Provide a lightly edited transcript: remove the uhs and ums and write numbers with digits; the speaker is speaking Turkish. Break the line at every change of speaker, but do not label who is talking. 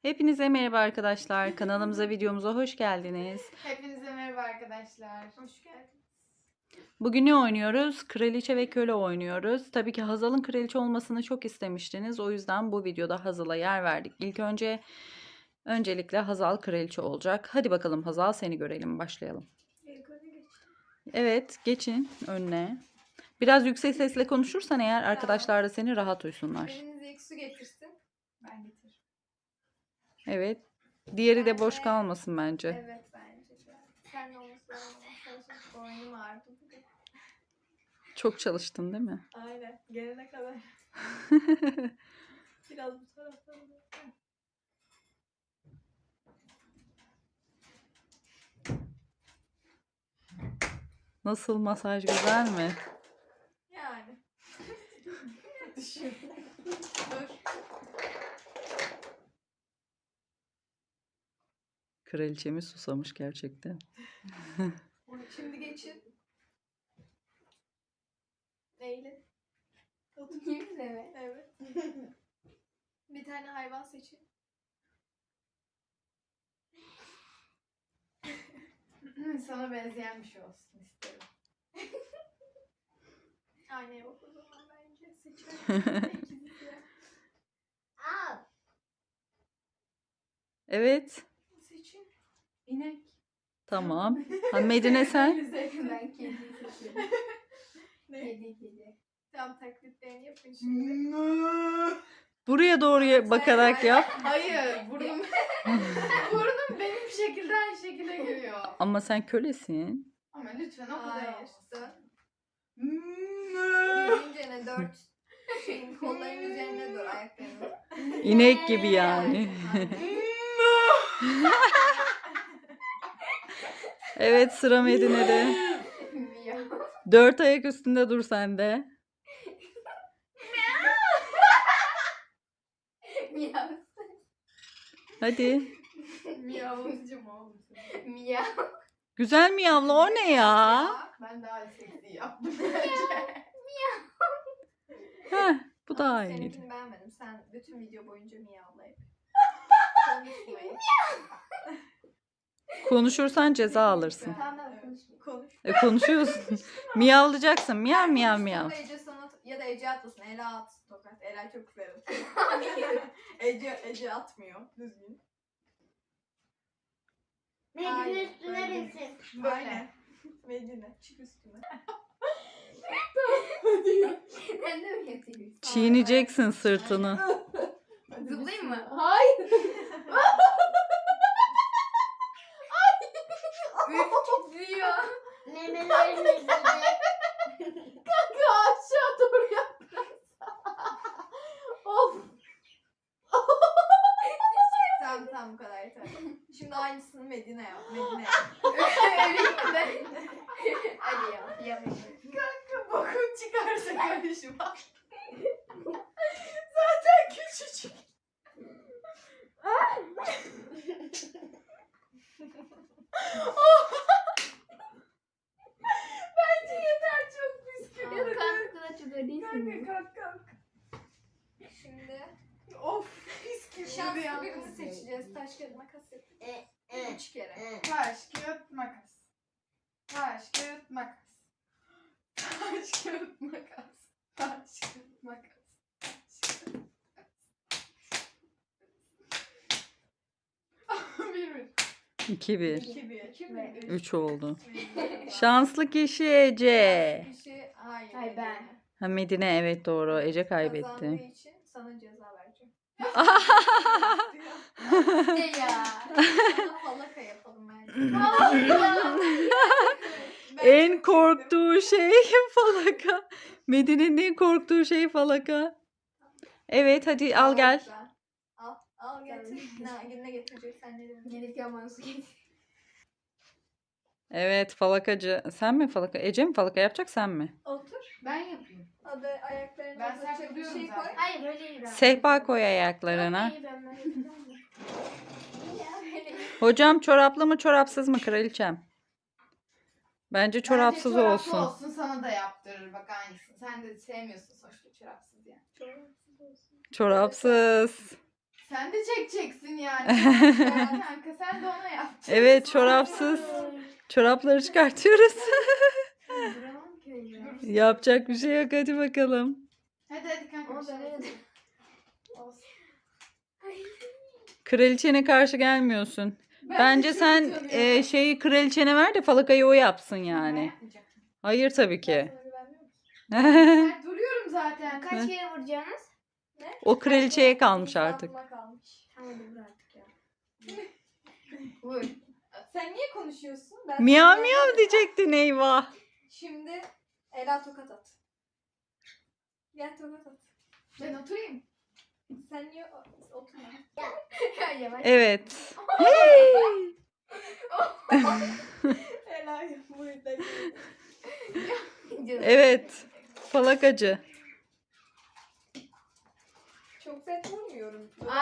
Hepinize merhaba arkadaşlar. Kanalımıza, videomuza hoş geldiniz.
Hepinize merhaba arkadaşlar. Hoş geldiniz.
Bugün ne oynuyoruz? Kraliçe ve köle oynuyoruz. Tabii ki Hazal'ın kraliçe olmasını çok istemiştiniz. O yüzden bu videoda Hazal'a yer verdik. Öncelikle Hazal kraliçe olacak. Hadi bakalım Hazal, seni görelim. Başlayalım. Evet, geçin önüne. Biraz yüksek sesle konuşursan eğer arkadaşlar da seni rahat duysunlar.
Birinize ilk su getirsin. Ben getiririm.
Evet. Diğeri de boş kalmasın bence.
Evet bence de. Sen de olması lazım. Boynum ağrıdı bugün.
Çok çalıştın değil mi?
Aynen. Gelene kadar. Biraz bu taraftan da.
Nasıl, masaj güzel mi?
Yani. Düşün. Dur.
Kraliçemiz susamış gerçekten.
Şimdi geçin. Eğilin. Oturayım mi? Evet. Bir tane hayvan seçin. Sana benzeyen bir şey olsun isterim. Aynaya bak o zaman bence seçelim.
Evet.
Seçin. İnek.
Tamam. Ha, Medine sen?
Ben kedi seçiyorum. Kedi. Tamam, taklitlerini yapın şimdi.
Buraya doğru bakarak yap.
Hayır, burnum benim şekilde aynı şekilde geliyor.
Ama sen kölesin.
Ama lütfen o kadar olsun. Birinci 4 şeyin kolların üzerine dur, ayaklarını.
İnek gibi yani. Evet, sıra Medine'de. Dört ayak üstünde dur sen de.
Miyav.
Hadi.
Miyavcım oğlum. Miyav.
Güzel mi yavru, o ne ya?
Ben daha seksi yaptım.
Heh, bu daha iyi.
Seninkini beğenmedim. Sen bütün video boyunca miyavla hep. Konuşmayın.
Konuşursan ceza alırsın.
Tamam, konuş.
Konuşuyorsun. Miyavlayacaksın. Miyav miyav miyav.
Ece sana ya da Ece atmasın. Ela at tokat. Ela çok severim. Ece atmıyor. Düzgün.
Medine üstüne binsin.
Böyle. Medine çık üstüne.
Ben de mi yapayım?
Çiğneyeceksin sırtını.
Zıplayayım mı?
Hayır.
Üf, titriyor.
Memelerin üzerine.
Aşağı doğru yap. Of. Tamam bu kadar yeter. Şimdi aynısını Medine yap.
Hadi ya.
Kanka bokun çıkarsa karışma. Zaten küçücük. Bence yeter, çok püskürüyor.
Kalk çok ödeysin.
Kalk. Şimdi of püskürüyor. Şanslı birini seçeceğiz. Taş kağıt makas yap. 3 kere. Taş kağıt makas. Taş kağıt makas. Taş kağıt makas. Taş kağıt makas. Bir.
2-1.
2-1.
3 oldu. Şanslı kişi Ece.
Kişi hayır.
Hayır, ben.
Ha, Medine, evet doğru. Ece
Kazandığı
kaybetti.
için sana ceza vereceğim.
Ne ya?
Sana falaka yapalım bence.
En korktuğu şey falaka. Medine'nin en korktuğu şey falaka. Evet, hadi al gel.
Al getir. Ne getireceksen ne demek?
Gelirken bana su getir.
Evet, falakacı. Sen mi falaka? Ece mi falaka yapacak, sen mi?
Otur.
Ben yapayım.
Hadi ayaklarını
Ben
uzatacak
saklıyorum
bir şey
zaten.
koy.
Hayır öyle iyi ben.
Sehpa koy ayaklarına.
İyi ben yapayım.
Hocam çoraplı mı çorapsız mı kraliçem? Bence çorapsız
Bence
olsun.
çoraplı olsun, sana da yaptırır bak aynısını. Sen de sevmiyorsun sonuçta çorapsız yani.
Çorapsız.
Sen de çekeceksin yani. Kanka sen de ona yapacaksın.
Evet, çorapsız. Çorapları çıkartıyoruz.
Duramam ki öyle.
Yapacak bir şey yok, hadi bakalım.
Hadi kanka.
Ama
bir şey
ben öyle
yap.
de-
Olsun.
Kraliçene karşı gelmiyorsun. Bence sen şeyi kraliçene ver de falakayı o yapsın yani. Hayır tabii ki.
Sana güvenmiyor musun?
Ben duruyorum zaten.
Kaç kere vuracaksınız?
O kraliçeye kalmış artık.
İnsafıma kalmış.
Tamam hadi vur artık ya.
Vur. Sen niye konuşuyorsun? Ben
Miyav
sana
miyav
güvenmiyorum.
diyecektin, eyvah.
Şimdi Ela tokat at. Gel tokat at.
Ben oturayım.
Sen niye oturma?
Ya yavaş.
Evet. Hey!
Ela burada.
Canım.
Evet. Falakacı.
Çok sert vurmuyorum.